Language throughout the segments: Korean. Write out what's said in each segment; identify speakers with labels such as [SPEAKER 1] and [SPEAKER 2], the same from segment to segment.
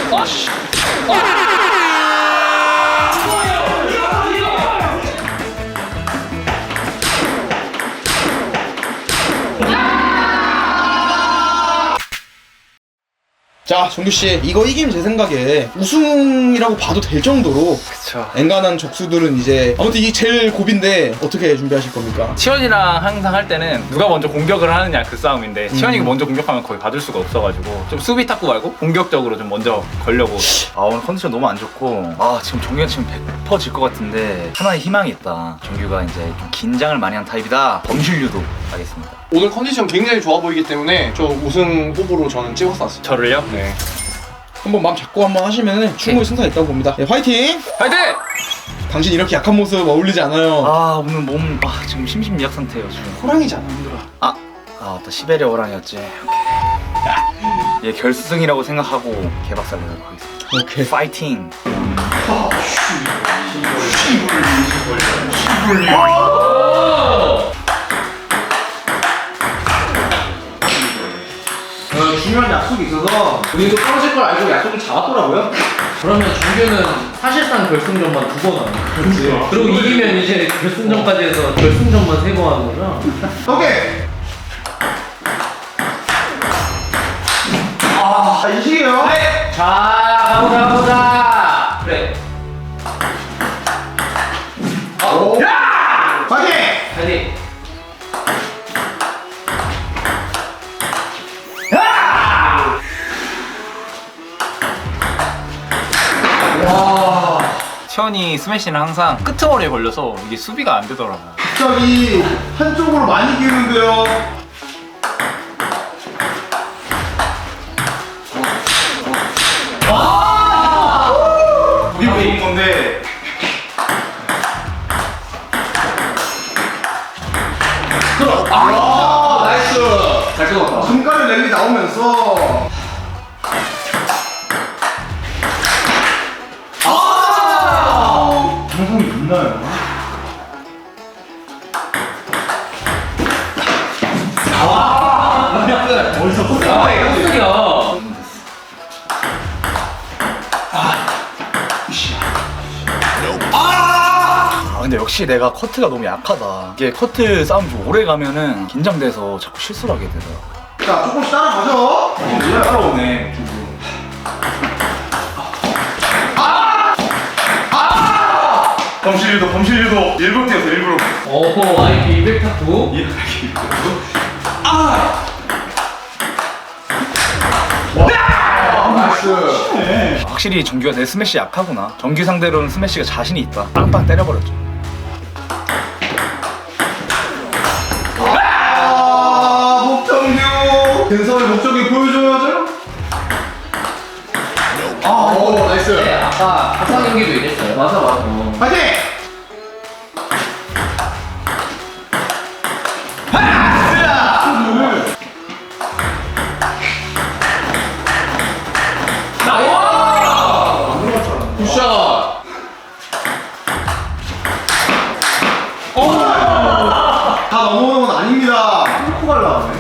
[SPEAKER 1] 자, 정규씨, 이거 이기면 제 생각에 우승이라고 봐도 될 정도로
[SPEAKER 2] 그쵸.
[SPEAKER 1] 엔간한 적수들은 이제 아무튼 이게 제일 고비인데 어떻게 준비하실 겁니까?
[SPEAKER 2] 치원이랑 항상 할 때는 누가 먼저 공격을 하느냐 그 싸움인데 치원이가 먼저 공격하면 거의 받을 수가 없어가지고 좀 수비 탁구 말고 공격적으로 좀 먼저 걸려고. 아 오늘 컨디션 너무 안 좋고 지금 정규가 지금 100% 질 것 같은데 하나의 희망이 있다. 정규가 이제 좀 긴장을 많이 한 타입이다. 범실류도 하겠습니다.
[SPEAKER 3] 오늘 컨디션 굉장히 좋아 보이기 때문에 저 우승 후보로 저는 찍었었어요.
[SPEAKER 2] 저를요?
[SPEAKER 3] 네.
[SPEAKER 1] 한번 마음 잡고 한번 하시면 충분히 승산 있다고 봅니다. 네, 화이팅!
[SPEAKER 2] 화이팅!
[SPEAKER 1] 당신 이렇게 약한 모습 어울리지 않아요.
[SPEAKER 2] 오늘 몸 지금 심심미약 상태예요 지금.
[SPEAKER 3] 호랑이잖아. 힘들어.
[SPEAKER 2] 맞다. 시베리아 호랑이였지. 오케이. 얘 결승이라고 생각하고 개박살 내도록 하겠습니다.
[SPEAKER 1] 오케이.
[SPEAKER 2] 파이팅!
[SPEAKER 4] 중요한 약속이 있어서 우리도 떨어질 걸 알고 약속을 잡았더라고요. 그러면 정규는 사실상 결승전만 2번 하는 거야. 그리고 이기면 이제 결승전까지 해서 결승전만 3번 하는 거죠.
[SPEAKER 1] 오케이! 이식이에요.
[SPEAKER 4] 네. 자, 가보자. 그래.
[SPEAKER 1] 화이팅!
[SPEAKER 4] 파이팅.
[SPEAKER 2] 치원이 스매시는 항상 끄트머리에 걸려서 이게 수비가 안 되더라고.
[SPEAKER 1] 갑자기 한쪽으로 많이 기우는데요.
[SPEAKER 2] 우리 보는 건데.
[SPEAKER 4] 나이스. 잘 끊었다.
[SPEAKER 1] 중간에 랠리 나오면서 방송이 있나요? 어디서
[SPEAKER 4] 아, 이거 소리야.
[SPEAKER 2] 근데 역시 내가 커트가 너무 약하다. 이게 커트 싸움 좀 오래 가면은 긴장돼서 자꾸 실수를 하게 되더라고.
[SPEAKER 1] 자, 조금씩 따라가죠.
[SPEAKER 2] 따라오네. 범실류도 일부러 뛰었어 일부러.
[SPEAKER 4] 오호, IP 200 탁구.
[SPEAKER 2] 확실히 정규가 내 스매시 약하구나. 정규 상대로는 스매시가 자신이 있다. 빵빵 때려버렸죠.
[SPEAKER 1] 목정규 근성의 목적이 보여줘야죠.
[SPEAKER 3] 오, 나이스.
[SPEAKER 4] 네, 아까 합상 경기도 이랬어요. 맞아.
[SPEAKER 1] 화이팅!
[SPEAKER 3] 굿샷.
[SPEAKER 1] 다 넘어오는 건 아닙니다. 뚫고 갈라네.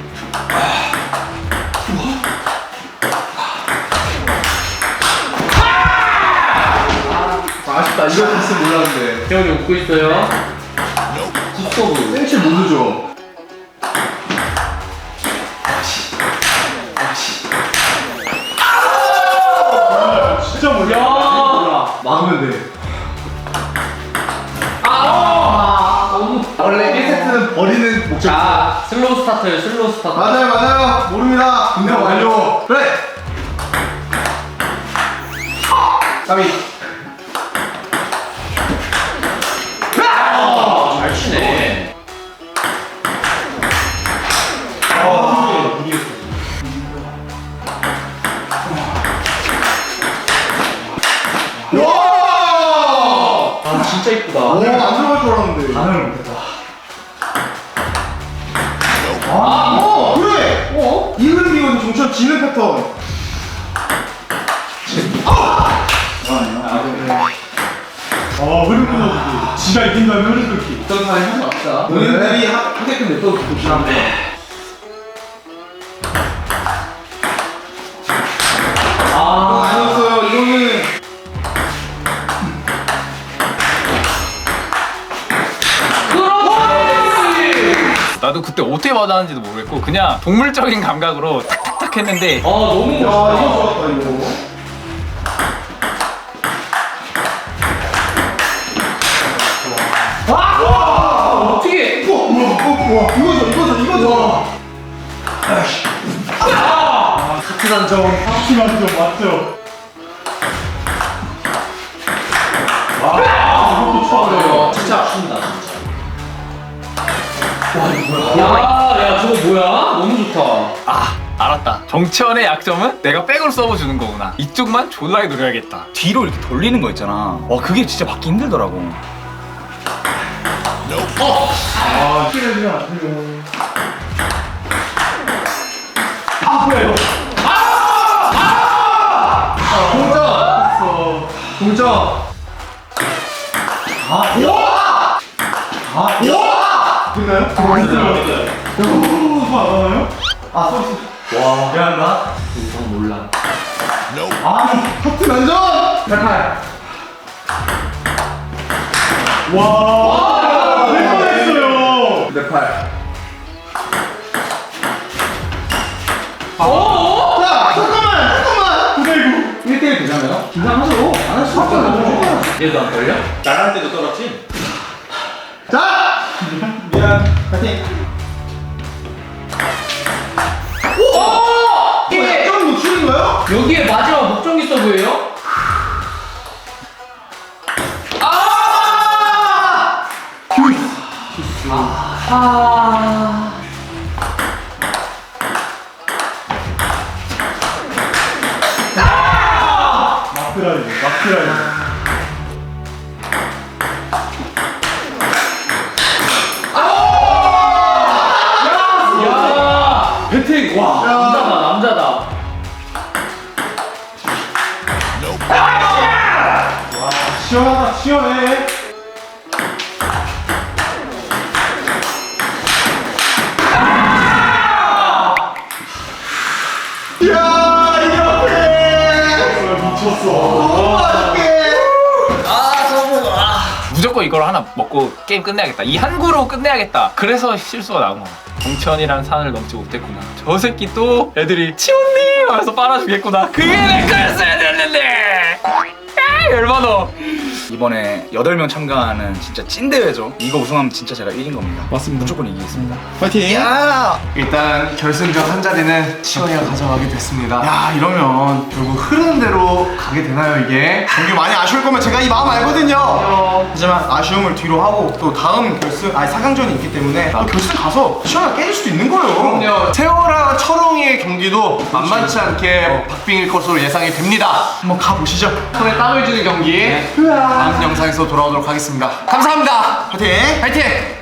[SPEAKER 3] 아쉽다. 이거 됐으면 몰랐는데.
[SPEAKER 4] 태원이 웃고 있어요. 굿서브.
[SPEAKER 1] 센치 모르죠. 진짜 몰라. 막으면 돼.
[SPEAKER 4] 너무.
[SPEAKER 1] 원래 1세트는 버리는 목적.
[SPEAKER 4] 자, 슬로우 스타트예요. 슬로우 스타트.
[SPEAKER 1] 맞아요. 모릅니다. 근데 완료. 그래. 까비.
[SPEAKER 4] 잘 치네.
[SPEAKER 1] 와!
[SPEAKER 4] 진짜 이쁘다.
[SPEAKER 1] 안 들어갈 줄 알았는데.
[SPEAKER 4] 반응을 못했다.
[SPEAKER 1] 그래! 이 흐름이거든, 종천 지는 패턴. 흐름 끊어주기. 지가 이긴다면 흐름 끊기.
[SPEAKER 4] 어떤 사람이 할수 없다.
[SPEAKER 1] 너희들이
[SPEAKER 4] 하게끔 냅둬도 좋긴 한데.
[SPEAKER 1] 아,
[SPEAKER 2] 나도 그때 어떻게 받았는지도 모르겠고 그냥 동물적인 감각으로 탁탁탁 했는데
[SPEAKER 4] 너무
[SPEAKER 1] 야,
[SPEAKER 4] 멋있다.
[SPEAKER 1] 이거 좋았다, 이거.
[SPEAKER 4] 어떻게?
[SPEAKER 1] 이거죠.
[SPEAKER 3] 하트 단정 맞죠?
[SPEAKER 4] 진짜 아쉽다 진짜. 와 이거 뭐야? 야 저거 뭐야? 너무 좋다.
[SPEAKER 2] 아 알았다. 정치원의 약점은 내가 백으로 서브주는 거구나. 이쪽만 졸라게 노려야겠다. 뒤로 이렇게 돌리는 거 있잖아. 와 그게 진짜 받기 힘들더라고.
[SPEAKER 3] 동점.
[SPEAKER 4] 이건 몰라.
[SPEAKER 3] 하트 단정. 백팔. 될 뻔했어요. 백팔. 야, 잠깐만. 9대9. 1대1 되잖아요? 긴장하죠. 안 할 수 없잖아.
[SPEAKER 4] 얘도 안 걸려?
[SPEAKER 1] 나갈 때도 떨었지?
[SPEAKER 3] 자!
[SPEAKER 1] 미안. 파이팅.
[SPEAKER 4] 이게
[SPEAKER 3] 좀 노출인 거예요?
[SPEAKER 4] 여기에 마지막 목적이 서브예요?
[SPEAKER 3] 마크라이브.
[SPEAKER 4] 야!
[SPEAKER 3] 배팅! 와!
[SPEAKER 4] 남자다 남자다.
[SPEAKER 3] 시원하다, 시원해. 야, 이렇게! 미쳤어. 너무 맛있게!
[SPEAKER 2] 무조건 이걸 하나 먹고 게임 끝내야겠다. 이 한 구로 끝내야겠다. 그래서 실수가 나온 거야. 정치원이란 산을 넘지 못했구나. 저 새끼 또 애들이 치훈님 하면서 빨아주겠구나. 그게 내 거였어야 됐는데. 아, 열받아. 이번에 8명 참가하는 진짜 찐 대회죠. 이거 우승하면 진짜 제가 이긴 겁니다.
[SPEAKER 1] 맞습니다.
[SPEAKER 2] 무조건 이기겠습니다.
[SPEAKER 1] 파이팅.
[SPEAKER 3] 일단 결승전 한 자리는 시원이가 가져가게 됐습니다. 야, 이러면 결국 흐르는 대로 가게 되나요, 이게? 경기 많이 아쉬울 거면 제가 이 마음 알거든요. 하지만 아쉬움을 뒤로 하고 또 다음 결승, 4강전이 있기 때문에 또 결승 가서 시원하게 깨질 수도 있는 거예요. 그럼요. 세월아 철옹이의 경기도 만만치 않게 박빙일 것으로 예상이 됩니다. 한번 가보시죠. 손에 땀을 주는 경기. 다음 영상에서 돌아오도록 하겠습니다. 감사합니다. 파이팅! 파이팅!